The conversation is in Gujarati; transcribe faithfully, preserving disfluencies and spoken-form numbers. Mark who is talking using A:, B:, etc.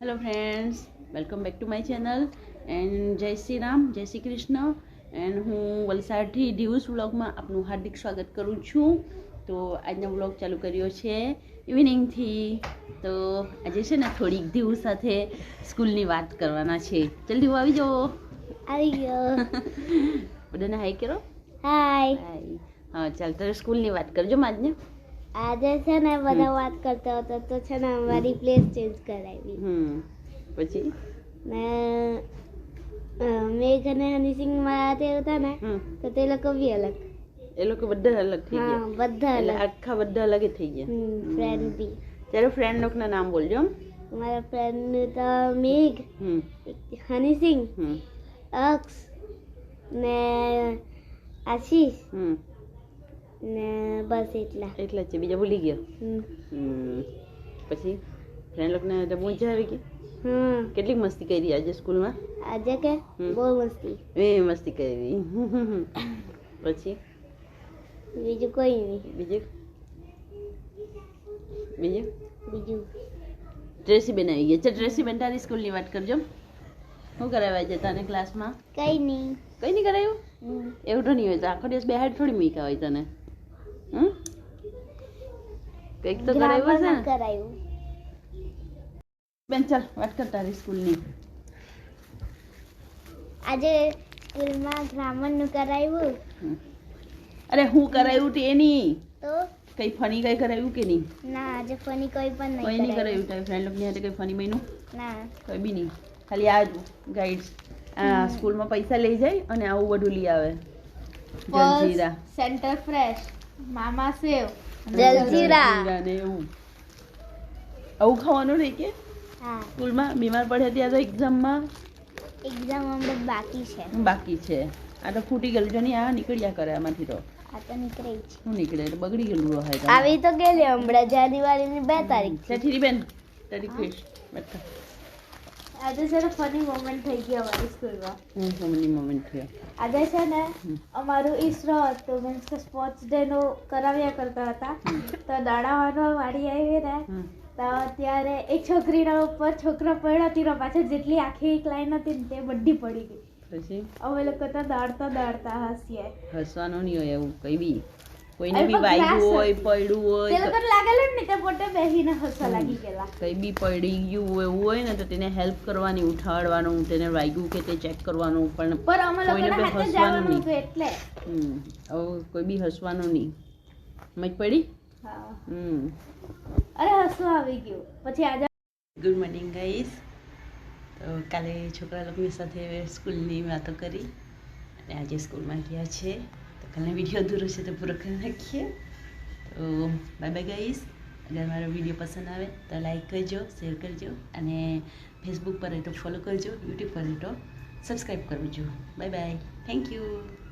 A: Hello friends, welcome back to my channel and જય શ્રી રામ, જય શ્રી કૃષ્ણ. એન્ડ હું વલસાડથી ડિવ્સ વ્લોગમાં આપનું હાર્દિક સ્વાગત કરું છું. તો આજનો વ્લોગ ચાલુ કર્યો છે ઇવનિંગથી. તો આજે છે ને થોડીક દિવસ સાથે સ્કૂલની વાત કરવાના છે. જલ્દી આવી જાઓ.
B: આવી ગયો.
A: બધાને હાય કરો.
B: હાય.
A: હાય. હા ચાલ, તારે સ્કૂલની વાત કરજો આજને.
B: આજે છે ને બધા વાત કરતા હતા તો છે ને અમારી પ્લેસ ચેન્જ કરાવી.
A: હમ પછી
B: ને મેઘ અને હનીસિંગ માં તે હતા ને તો તે લોકો બી અલગ.
A: એ લોકો બધા અલગ થઈ ગયા.
B: હા, બધા
A: એટલે
B: અલગ.
A: આખા બધા અલગ જ થઈ ગયા.
B: હમ ફ્રેન્ડ બી.
A: ત્યારે ફ્રેન્ડ લોકોના નામ બોલજો.
B: મારા ફ્રેન્ડ તો મેઘ,
A: હમ
B: હનીસિંગ,
A: હમ
B: અક્ષ ને આશીષ
A: હમ
B: ને બસ એટલા.
A: એટલા જ છે, બીજા ભૂલી ગયો.
B: હમ.
A: હમ પછી ફ્રેન્ડ લોકોને તો મજા આવી ગઈ.
B: હમ.
A: કેટલી મસ્તી કરી આજે સ્કૂલમાં.
B: આજે કે
A: હમ.
B: બહુ મસ્તી.
A: એ મસ્તી કરી. પછી
B: બીજું કોઈ નહીં.
A: બીજું બીજું
B: બીજું
A: ટ્રેસી બેન આવી ગઈ છે. ટ્રેસી બેન, તારી સ્કૂલની વાત કરજો. શું કરાવ્યા છે તને ક્લાસમાં?
B: કઈ નહીં.
A: કઈ નહીં કરાયું?
B: હમ.
A: એવું તો નહીં હોય તો આખો દિવસ બેહાડ થોડી મૂક્યા હોય તને. હમ કંઈક તો કરાવ્યું છે ને.
B: કરાયું.
A: બેન ચાલ વાત કર તારી સ્કૂલની.
B: આજે સ્કૂલમાં ગ્રામરનું કરાવ્યું.
A: હમ. અરે હું કરાયું તે નહીં,
B: તો
A: કઈ ફની કઈ કરાયું કે નહીં?
B: ના આજે ફની કોઈ પણ
A: કોઈ
B: નહીં
A: નહીં
B: કરાવ્યું.
A: કરાયું. તારી ફ્રેન્ડ લોકોની હાથે કઈ ફની બન્યું?
B: ના.
A: કોઈ બી નહીં. ખાલી આ ગાઈડ્સ આ સ્કૂલમાં પૈસા લઈ જાય અને આવું બધું લઈ આવે. જલજીરા
B: સેન્ટર ફ્રેશ, મામા સેવ,
A: જલજીરા ને એવું આવું ખાવાનું નહીં કે
B: હા.
A: સ્કૂલમાં બીમાર પડ્યા ત્યાં તો એક્ઝામમાં
B: એક્ઝામ હમણાં બાકી છે.
A: બાકી છે. આ તો ફૂટી ગયેલું છે ને, આ નીકળ્યા કરે આમાંથી. તો
B: આ તો નીકળી છે.
A: શું નીકળે? એટલે બગડી ગયેલું હોય.
B: આવી તો ગયેલી હમણાં જાન્યુઆરીની બે તારીખ.
A: સેઠીરી બેન તારી ફેસ બેઠા.
B: આજે છે ને ફની મોમેન્ટ થઈ ગઈ અમારી સ્કૂલમાં.
A: હું ફની મોમેન્ટ થયો.
B: આજે છે ને અમારું ઈસરો હતું, મીન્સ કે સ્પોર્ટ્સ ડે નું કરાવ્યા કરતા હતા. તો દડાવાનો વાળી આવી ને તો ત્યારે એક છોકરીના ઉપર છોકરો પડ્યો તેનો પાછળ જેટલી આખી એક લાઈન હતી ને તે બધી પડી ગઈ.
A: પછી
B: અમે લોકો તો દોડતા દોડતા હસીએ.
A: હસવાનું નહીં હોય એવું કઈ બી. કોઈને બી વાગ્યું હોય, પડ્યું
B: તે
A: હોય,
B: લોકોને લાગેલું ને તે પોતે બેસીને હસવા લાગી ગયેલા.
A: કઈ બી પડી ગયું હોય એવું હોય ને તો તેને હેલ્પ કરવાની, ઉઠાડવાનું, તેને વાગ્યું કે તે ચેક કરવાનું. પણ
B: પર અમે
A: કોઈને
B: લોકોને
A: બી
B: હાથે
A: હસવાનું
B: જવાનું
A: નહીં.
B: હતું એટલે.
A: હમ હવે કોઈ બી હસવાનું નહીં. મજ પડી.
B: હા.
A: હમ
B: અરે હસવું આવી ગયું. પછી આજે
A: ગુડ મોર્નિંગ ગાઈસ. તો કાલે છોકરા લોકોની સાથે સ્કૂલની વાતો કરી અને આજે સ્કૂલમાં ગયા છે. તો કાલનો વિડીયો અધૂરો છે તો પૂરો કરી નાખીએ. તો બાય બાય ગાઈસ. અગર મારો વિડીયો પસંદ આવે તો લાઈક કરજો, શેર કરજો અને ફેસબુક પર હોય તો ફોલો કરજો, યુટ્યુબ પર હોય તો સબસ્ક્રાઈબ કરજો. Bye bye. Thank you.